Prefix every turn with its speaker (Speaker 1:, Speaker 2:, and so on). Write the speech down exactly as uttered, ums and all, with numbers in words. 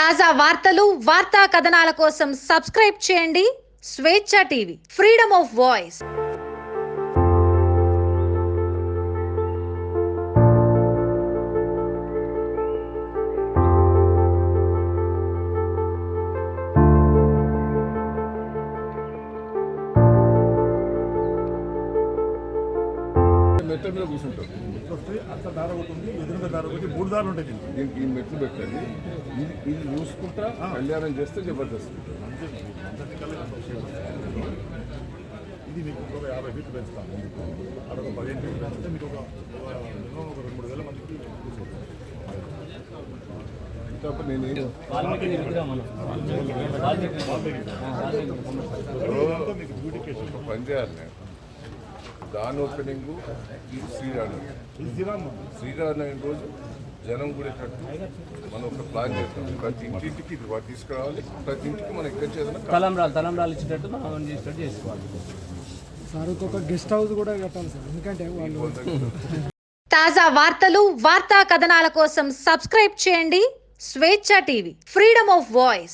Speaker 1: తాజా వార్తలు వార్తా కథనాల కోసం సబ్స్క్రైబ్ చేయండి స్వేచ్ఛ టీవీ, ఫ్రీడమ్ ఆఫ్ వాయిస్.
Speaker 2: మెట్ల మీద కూర్చుంటారు.
Speaker 3: వస్తే అట్లా దార ఒకటి ఉంది, ఎదురుగా దార ఒకటి, మూడు దారులు ఉంటాయి దీనికి.
Speaker 2: దీనికి ఈ మెట్లు పెట్టండి. ఇది ఇది చూసుకుంటా కళ్యాణం చేస్తే జబర్దస్త్.
Speaker 3: ఇది మీకు ఒక యాభై ఫీట్లు పెంచుతాము. అక్కడ ఒక పదిహేను ఫీట్లు పెంచితే మీకు ఒక మినిమం ఒక రెండు మూడు వేల మందికి కూర్చోవచ్చు.
Speaker 2: కాబట్టి నేను ఏం
Speaker 3: మీకు బ్యూటిఫికేషన్
Speaker 2: ఒక పని చేయాలి. నేను దాని ఓపెనింగ్ ఈ శ్రీరామ్
Speaker 3: శ్రీరామ్
Speaker 2: శ్రీరామ్ అయిన రోజు జనం కూడా కట్టు మనం ఒక ప్లాన్ చేస్తాం. ప్రతి ఇంటింటికి ఇది వాటి తీసుకురావాలి. ప్రతి ఇంటికి మనం ఎక్కడ చేద్దాం
Speaker 4: తలంబ్రాలు తలంబ్రాలు ఇచ్చేటట్టు మనం చేసేటట్టు చేసుకోవాలి
Speaker 5: సార్. ఒక గెస్ట్ హౌస్ కూడా కట్టాలి సార్, ఎందుకంటే వాళ్ళు
Speaker 1: తాజా వార్తలు వార్తా కథనాల కోసం సబ్స్క్రైబ్ చేయండి స్వేచ్ఛ టీవీ, ఫ్రీడమ్ ఆఫ్ వాయిస్.